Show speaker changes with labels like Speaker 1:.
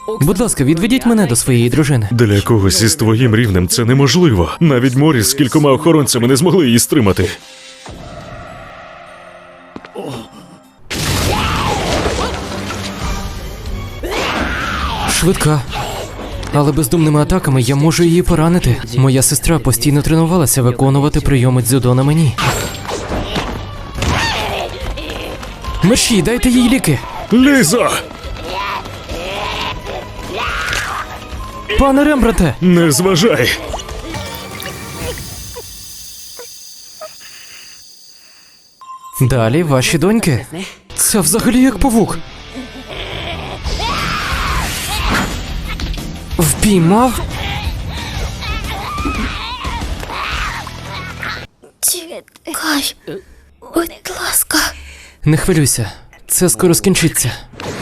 Speaker 1: Будь ласка, відведіть мене до своєї дружини.
Speaker 2: Для когось із твоїм рівнем це неможливо. Навіть Моріс з кількома охоронцями не змогли її стримати.
Speaker 1: Швидка. Але бездумними атаками я можу її поранити. Моя сестра постійно тренувалася виконувати прийоми дзюдо на мені. Мерші, дайте їй ліки.
Speaker 2: Ліза!
Speaker 1: Пане Рембранте!
Speaker 2: Не зважай!
Speaker 1: Далі ваші доньки. Це взагалі як павук. Впіймав?
Speaker 3: Чекай, будь ласка.
Speaker 1: Не хвилюйся, це скоро скінчиться.